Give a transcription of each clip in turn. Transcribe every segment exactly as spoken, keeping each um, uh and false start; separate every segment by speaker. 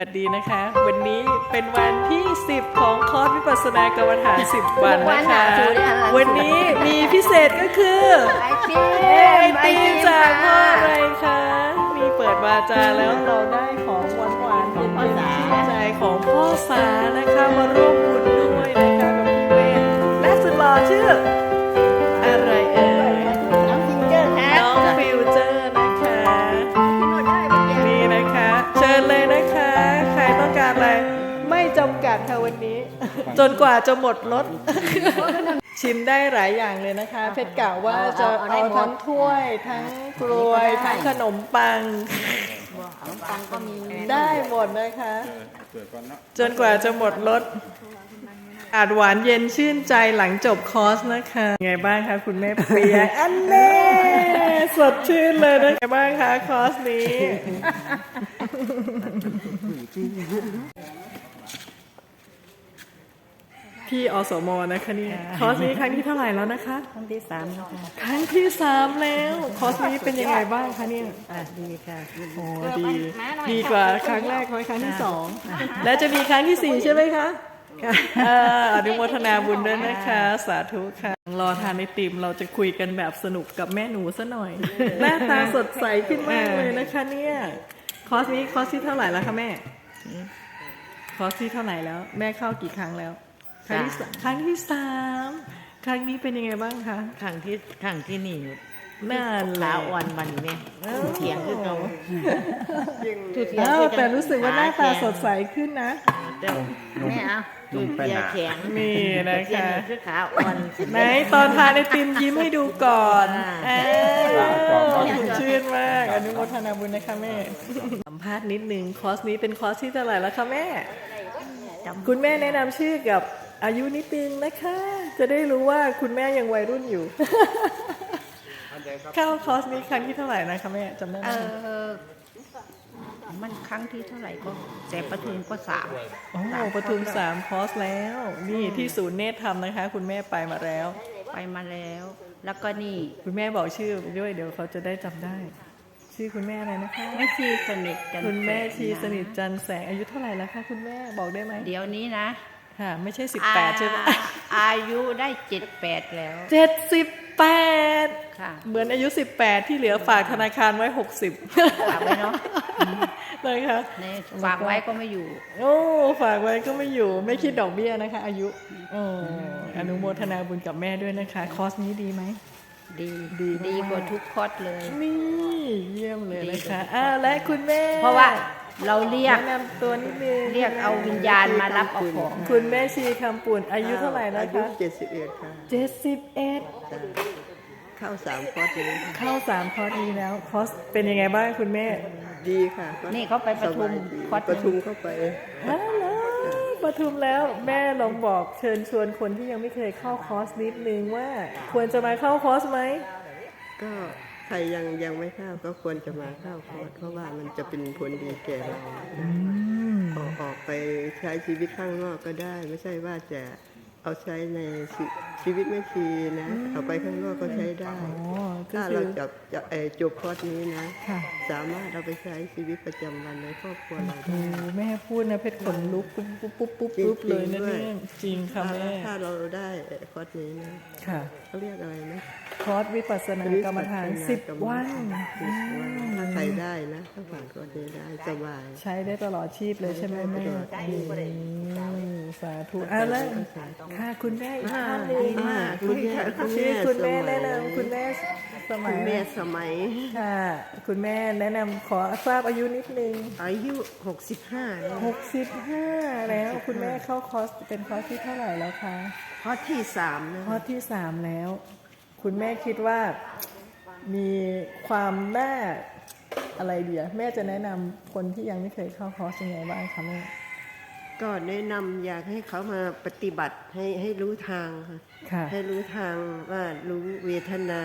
Speaker 1: สวัสดีนะคะวันนี้เป็นวันที่สิบของคอร์สวิปัสสนากรรมฐานสิบวันนะคะวันนี้มีพิเศษก็คือไอติมจากพ่ออะไรคะมีเปิดวาจาแล้วเราได้ของหวานหวานๆเป็นชื่นใจของพ่อสานะคะมาร่วมบุญด้วยนะคะกับพี่เวทและสุดหล่อชื่ออะไรเอ่ยน้องฟิวเจอร์ค่ะน้องฟิวเจอร์นะคะนี่นะคะเชิญเลยนะคะใครต้องการอะไรไม่จำกัดค่ะวันนี้จนกว่าจะหมดรถชิมได้หลายอย่างเลยนะคะเพชรกล่าวว่าจะเอาทั้งถ้วยทั้งกล้วยทั้งขนมปังได้หมดนะคะจนกว่าจะหมดรถอาจหวานเย็นชื่นใจหลังจบคอร์สนะคะไงบ้างคะคุณแม่เปียอันเน่สดชื่นเลยนะไงบ้างคะคอร์สนี้พี่อสมนะคะเนี่ยคอร์สนี้ครั้งที่เท่าไหร่แล้วนะคะ
Speaker 2: ครั้งที่สามแล้วค่ะ
Speaker 1: ครั้งที่สามแล้วคอร์สนี้เป็นยังไงบ้างคะเนี่ย
Speaker 2: อ่ะดีค่ะ
Speaker 1: โอ้ดีดีกว่าครั้งแรกไหมครั้งที่สองแล้วจะมีครั้งที่สี่ใช่ไหมคะอนุโมทนาบุญด้วยนะคะสาธุค่ะรอทานไอติมเราจะคุยกันแบบสนุกกับแม่หนูซะหน่อยหน้าตาสดใสขึ้นมากเลยนะคะเนี่ยคอร์สนี้คอร์สที่เท่าไหร่แล้วคะแม่คอร์สที่เท่าไหร่แล้วแม่เข้ากี่ครั้งแล้วครั้งที่ครั้งที่สามครั้งนี้เป็นยังไงบ้างคะ
Speaker 2: ครั้งที่ครั้งที่นี่
Speaker 1: น่า
Speaker 2: ลาอ่อนวันนี้เถียงขึ้นเรา
Speaker 1: แต่รู้สึกว่าหน้าตาสดใสขึ้นนะ
Speaker 2: แม่เอาดูเบียแข็ง
Speaker 1: นี่นะคะ
Speaker 2: คือขาอ่อน
Speaker 1: ไหนตอนทานไอติมยิ้มให้ดูก่อนชื่นมากอนุโมทนาบุญนะคะแม่สัมภาษณ์นิดนึงคอร์สนี้เป็นคอร์สที่เท่าไหร่แล้วคะแม่คุณแม่แนะนำชื่อกับอายุนิดนึงนะคะจะได้รู้ว่าคุณแม่ยังวัยรุ่นอยู่เข้าคอร์สนี้ครั้งที่เท่าไหร่นะคะแม่จำได้ไหม
Speaker 2: มันครั้งที่เท่าไหร่ก็แต่ปทุมก็สาม
Speaker 1: โอ้ปทุมสามคอร์สแล้วนี่ที่ศูนย์เนตรธรรมนะคะคุณแม่ไปมาแล้ว
Speaker 2: ไปมาแล้วแล้วก็นี่
Speaker 1: คุณแม่บอกชื่อด้วยเดี๋ยวเขาจะได้จำได้ชื่อคุณแม่อะไรนะคะ
Speaker 2: แม่ชีสนิทจัน
Speaker 1: คุณแม่ชีสนิทจันแสงอายุเท่าไหร่แล้วคะคุณแม่บอกได้ไหม
Speaker 2: เดี๋ยวนี้นะ
Speaker 1: ค่ะไม่ใช่สิบแปดใช่ไหม
Speaker 2: อายุได้เจ็ดแปดแล้ว
Speaker 1: เจ็ดสิบแปด
Speaker 2: ค่ะ
Speaker 1: เหมือนอายุสิบแปดที่เหลือฝากธนาคารไว้หกสิบ
Speaker 2: ฝากไว้เนาะ
Speaker 1: เลยค่ะ
Speaker 2: ฝากไว้ก็ไม่อยู่
Speaker 1: โอ้ฝากไว้ก็ไม่อยู่ไม่คิดดอกเบี้ยนะคะอายุโอ้อนุโมทนาบุญกับแม่ด้วยนะคะคอร์สนี้ดีไหม
Speaker 2: ดีดีดีกว่าทุกคอร์สเลย
Speaker 1: นี่เยี่ยมเลยนะคะอ้าวและคุณแม่
Speaker 2: เพราะว่าเราเรียก
Speaker 1: แนะนำตัวนิดนึง
Speaker 2: เรียกเอาวิญญาณมารับเอาของ
Speaker 1: คุณแม่ชีคำปุ่นอายุเท่าไหร่แล้วคะ
Speaker 3: เจ็ดสิบเอ็ดค่ะ
Speaker 1: เจ็ดสิบเอ็ด
Speaker 3: เข้าสามคอร์สนี้
Speaker 1: เข้าสามคอร์สนี้แล้วคอร์สเป็นยังไงบ้างคุณแม่
Speaker 3: ดีค่ะ
Speaker 2: นี่เขาไปปทุม
Speaker 3: คอร์สปทุมเข้าไป
Speaker 1: ฮัลโหลปทุมแล้วแม่ลองบอกเชิญชวนคนที่ยังไม่เคยเข้าคอร์สนิดนึงว่าควรจะมาเข้าคอร์สไหม
Speaker 3: ก็ใครยังยังไม่เข้าก็ควรจะมาเข้าคอร์สเพราะว่ามันจะเป็นผลดีแก่เราออกออกไปใช้ชีวิตข้างนอกก็ได้ไม่ใช่ว่าจะเอาใช้ในชีวิตไม่ชีนะเอาไปข้างนอกก็ใช้ได้ถ้าเราจับจะจบคอร์สนี้นะสามารถเอาไปใช้ชีวิตประจำวันในครอบครัวเราได้
Speaker 1: แม่พูดนะเพชรขนลุกปุ๊บปุ๊บปุ๊บปุ๊บปุ๊บเลยนะเนี่ยจริงค่ะแม่
Speaker 3: ถ้าเราได้คอร์สนี้นะเขาเรียกอะไรนะ
Speaker 1: คอร์สวิปัสสนากรรมฐานสิบวัน
Speaker 3: ถ้าใครได้นะถ้าผ่านคอร์สนี้ได้สบาย
Speaker 1: ใช้ได้ตลอดชีพเลยใช่ไหมแม่สาธุอ่ะแล้วค่ะคุณแม่อีกท่านหนึ่งคุณชื่อคุณแม่แนะนำคุณแม่สมัย
Speaker 3: แม่สมัย
Speaker 1: ค่ะคุณแม่แนะนำขอทราบอายุนิดนึง
Speaker 3: อายุหกสิบห้า
Speaker 1: หกสิบห้าแล้วคุณแม่เข้าคอร์สเป็นคอร์สที่เท่าไหร่แล้วคะ
Speaker 3: คอร์สที่สามนะ
Speaker 1: คอร์สที่สามแล้วคุณแม่คิดว่ามีความน่าอะไรดีอะแม่จะแนะนำคนที่ยังไม่เคยเข้าคอร์สยังไงบ้างคะแม่
Speaker 3: ก็แนะนำอยากให้เขามาปฏิบัติให้ให้รู้ทางค่ะให้รู้ทางว่ารู้เวทนา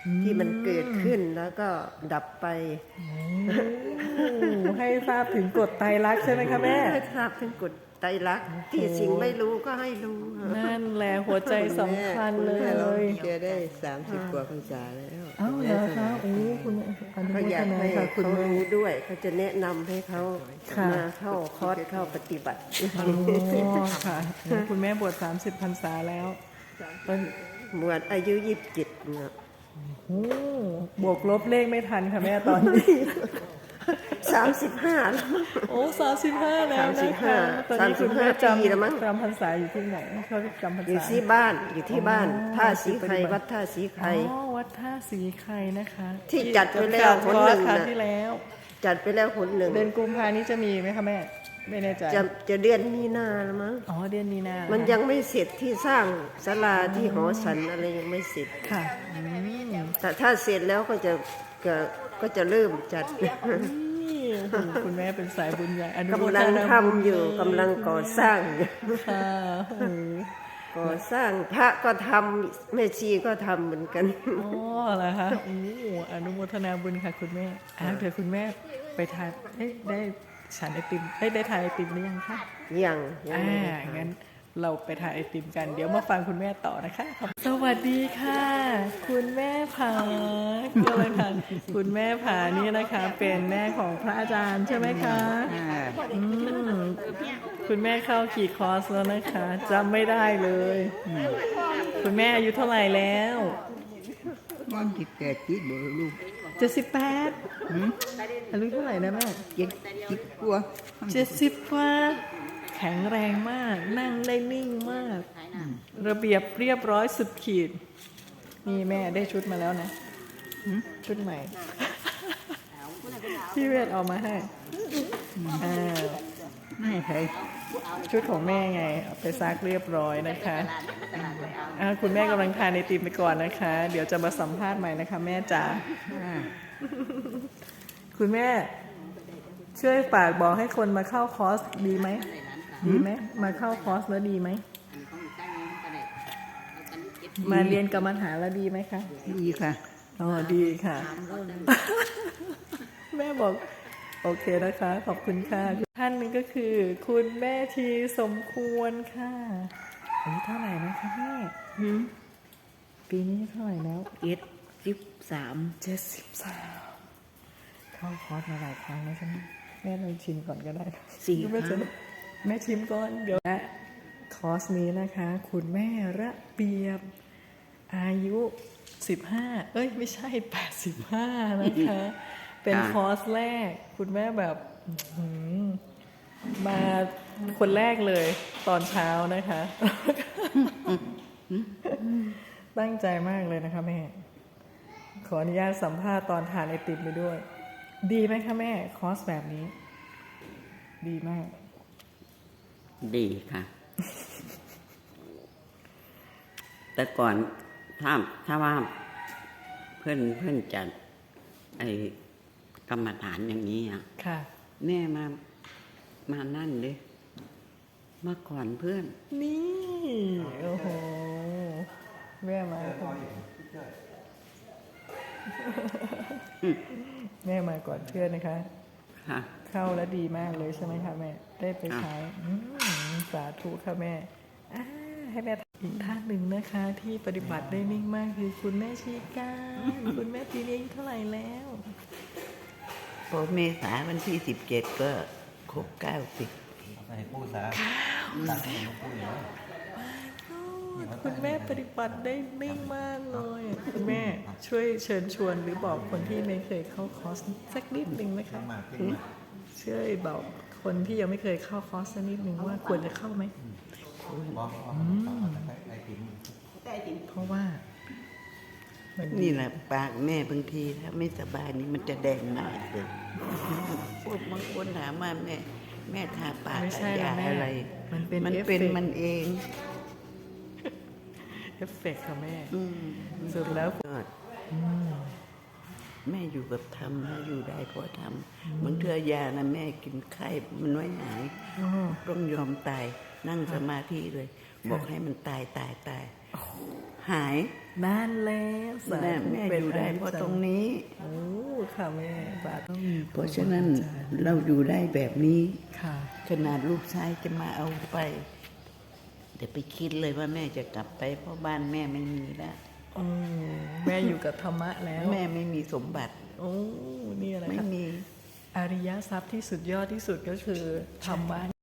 Speaker 3: ที่มันเกิดขึ้นแล้วก็ดับไป
Speaker 1: โอ้ให้ทราบถึงกฎไตรลักษณ์ใช่ไหมคะแม่
Speaker 3: ให้ทราบถึงกฎไตรลักษณ์ที่สิ่งไม่รู้ก็ให้รู้
Speaker 1: นั่นแหละหัวใจสำคัญเล
Speaker 3: คุณแม่เรา
Speaker 1: ย
Speaker 3: แกได้สามสิบกว่าพรรษาแล้ว
Speaker 1: เอ้าเหรอคะโอ้คุณแม่อนุ
Speaker 3: เขา
Speaker 1: โม
Speaker 3: อยา
Speaker 1: ท
Speaker 3: ก
Speaker 1: นา
Speaker 3: ให้
Speaker 1: ค่ะคุ
Speaker 3: เขา
Speaker 1: ณแม่
Speaker 3: รู้ด้วยเขาจะแนะนำให้เขา
Speaker 1: ค่ะ
Speaker 3: มาเข้าคอร์สเข้าปฏิบัติ
Speaker 1: อ๋อค่ะคุณแม่บวชสามสิบพรรษาแล้วตอน
Speaker 3: บวชอายุยี่สิบเจ็ดเนี่ย
Speaker 1: โอ้บวกลบเลขไม่ทันค่ะแม่ตอนนี้
Speaker 3: สามสิบห้าแล้ว
Speaker 1: โอ้สามสิบห้าแล้ว
Speaker 3: สามสิ
Speaker 1: นะ
Speaker 3: บห้า
Speaker 1: คะตอนนี้คุณแม่
Speaker 3: สามสิบห้าปีแล้วมั้ง
Speaker 1: จำจำพรรษาอยู่ที่ไหนเขาจำพรร
Speaker 3: อยู่
Speaker 1: ษา
Speaker 3: ที่บ้านอยู่ที่บ้าน
Speaker 1: อ๋อ
Speaker 3: ท่าสีไข่
Speaker 1: ปฏิบัติ
Speaker 3: วัดท่าสีไข่
Speaker 1: อ๋อวัดท่าสีไข่นะคะ
Speaker 3: ที่จัดไว้แล้วหนหนึ่ง
Speaker 1: ครั้ง
Speaker 3: น่ะ
Speaker 1: ที่แล้ว
Speaker 3: จัดไปแล้วหนหนึ่ง
Speaker 1: เดือนกุมภานี้จะมีไหมคะแม่ไม่แน่ใจ
Speaker 3: จะจะเดือนมีนาแล้วมั้ง
Speaker 1: อ๋อเดือนมีนา
Speaker 3: มันยังไม่เสร็จที่สร้างศาลาที่หอฉันอะไรยังไม่เสร็จ
Speaker 1: ค่ะอืม
Speaker 3: แต่ถ้าเสร็จแล้วก็จะก็ก็จะเริ่มจัด
Speaker 1: นี่โอ้โหคุณแม่เป็นสายบุญใหญ่อนุโม
Speaker 3: กำ
Speaker 1: ท
Speaker 3: ลัง
Speaker 1: นา
Speaker 3: ทำอยู่กำลังก่อสร้างอยู่
Speaker 1: ค่ะโอ้โห
Speaker 3: ก่อสร้างพระก็ทำแม่ชีก็ทำเหมือนกัน
Speaker 1: อ๋อเหรอคะโอ้โหอนุโมทนาบุญค่ะคุณแม่อ่ะเดี๋ยวคุณแม่ไปทานเอ๊ะได้ฉันไอติมได้ได้ทานไอติมหรือยังคะ
Speaker 3: ยังยัง
Speaker 1: อ่า
Speaker 3: ไม่ได้ท
Speaker 1: งั้นเราไปทานไอติมกัน เดี๋ยวมาฟังคุณแม่ต่อนะคะ สวัสดีค่ะ คุณแม่ผาก็เลยค่ะ คุณแม่ผานี่นะคะ เป็นแม่ของพระอาจารย์ใช่ไหมคะอืมคุณแม่เข้ากี่คอร์สแล้วนะคะจำไม่ได้เลย คุณแม่อายุเท่าไหร่แล้ว
Speaker 4: มันที่แปดจิตบ่ลูก
Speaker 1: เจ็ดสิบแปดอายุเท่าไหร่นะแม่
Speaker 4: เจ็ดจิตกลัว
Speaker 1: เจ็ดสิบกว่าแข็งแรงมาก นั่งได้นิ่งมาก ระเบียบเรียบร้อยสุดขีด นี่แม่ได้ชุดมาแล้วนะหึชุดใหม่ ที่เวทเอามาให้อ่า
Speaker 4: ไม่ใช่
Speaker 1: ชุดของแม่ไงเอาไปซักเรียบร้อยนะคะอ่าคุณแม่กำลังทานไอติมไปก่อนนะคะ เดี๋ยวจะมาสัมภาษณ์ใหม่นะคะ แม่จ๋า
Speaker 4: อ่า
Speaker 1: คุณแม่ช่วยฝากบอกให้คนมาเข้าคอร์สดีไหมดีไหมมาเข้าคอร์สแล้วดีไหมมาเรียนกรรมฐานแล้วดีไหมคะ
Speaker 4: ดีค่ะ
Speaker 1: อ๋อดีค่ะ แม่บอกโอเคนะคะ ขอบคุณค่ะท่านหนึงก็คือ คุณแม่ทีสมควรค่ะอายุเท่าไหร่นะคะแม่ปีนี้เท่าไหร่แล้ว
Speaker 4: เจ็ดสิบสาม
Speaker 1: เจ็ดสิบสามเข้าคอร์สมาหลายครั้งแล้วใช่ไหมแม่ลองชิมก่อนก็ได้
Speaker 4: สี่ค
Speaker 1: แม่จะ
Speaker 4: รั้ง
Speaker 1: แม่ชิมก่อนเดี๋ยวและคอร์สนี้นะคะ คุณแม่ระเบียบ อายุสิบห้าเอ้ยไม่ใช่แปดสิบห้านะคะ เป็นคอร์สแรก คุณแม่แบบอื้อหือมาคนแรกเลยตอนเช้านะคะ ตั้งใจมากเลยนะคะแม่ ขออนุญาตสัมภาษณ์ตอนทานไอติมไปด้วย ดีไหมคะแม่คอร์สแบบนี้ ดีมาก
Speaker 4: ดีค่ะ แต่ก่อนถ้าถ้าว่าเพื่อนเพื่อนจัดไอ้กรรมฐานอย่างนี้อ่ะ
Speaker 1: ค่ะ
Speaker 4: แม่มามานั่นเลยมาก่อนเพื่อน
Speaker 1: นี่ โอ้โห แม่มาก่อนแม่มาก่อนเพื่อนนะคะ
Speaker 4: ค่ะ
Speaker 1: เข้าแล้วดีมากเลยใช่ไหมคะแม่ ได้ไปใช้อืมสาธุค่ะแม่อ่าให้แม่อีกท่านหนึ่งนะคะ ที่ปฏิบัติได้นิ่งมากคือคุณแม่ชีการคุณแม่ปีนี้อายุเท่าไหร่แล้ว
Speaker 4: พอเมษาวันที่สิบเจ็ดก็ครบเก้าสิบ
Speaker 5: ใส่ผู้สาตัดให้ผู้อยู่
Speaker 1: คุณแม่ปฏิบัติได้นิ่งมากเลยคุณแม่ช่วยเชิญชวนหรือบอกคนที่ไม่เคยเข้าคอร์สสักนิดหนึ่งไหมคะ
Speaker 5: มากขึ้นมา
Speaker 1: ช่วยบอกคนที่ยังไม่เคยเข้าคอร์สสักนิดหนึ่งว่าควรจะเข้าไหม
Speaker 5: บอกว่าไอติม
Speaker 1: เพราะว่ามันดี
Speaker 4: นี่แหละปากแม่บางทีถ้าไม่สบายนี่มันจะแดงมากเลยพวกบางคนถามว่าแม่ แม่ทาปาก
Speaker 1: ไม่ใช่
Speaker 4: ยา
Speaker 1: นะแม่
Speaker 4: อะไร
Speaker 1: มันเป็น
Speaker 4: มัน
Speaker 1: เอฟ
Speaker 4: เป็น
Speaker 1: เฟกต์
Speaker 4: มันเอง
Speaker 1: เอฟเฟกต์ค่ะแม่
Speaker 4: อืม
Speaker 1: สุดแล้ว
Speaker 4: ยอดแม่อยู่กับธรรมนะอยู่ได้เพราะธรรมบางเทื่อยานะแม่กินไข้มันไม่หาย
Speaker 1: อ๋อ
Speaker 4: ต้องยอมตายนั่งสมาธิเลย บอกให้มันตายตายตาย
Speaker 6: หาย
Speaker 1: นั่นแล้วสา
Speaker 6: แม่
Speaker 1: ธุ
Speaker 6: แม่
Speaker 1: ป็
Speaker 6: อยู่ได้เพราะตรงนี้
Speaker 1: โอ้ค่ะแม่บาทต้องมี
Speaker 6: เพราะฉะนั้นเราอยู่ได้แบบนี้
Speaker 1: ค่ะ
Speaker 6: ขนาดลูกชายจะมาเอาไปเดี๋ยวไปคิดเลยว่าแม่จะกลับไปเพราะบ้านแม่ไม่มีแล้ว
Speaker 1: อืมแม่อยู่กับธรรมะแล้ว
Speaker 6: แม่ไม่มีสมบัติ
Speaker 1: โอ้นี่อะไร
Speaker 6: ไม่
Speaker 1: คะ
Speaker 6: มี
Speaker 1: อริยทรัพย์ที่สุดยอดที่สุดก็คือธรรมะ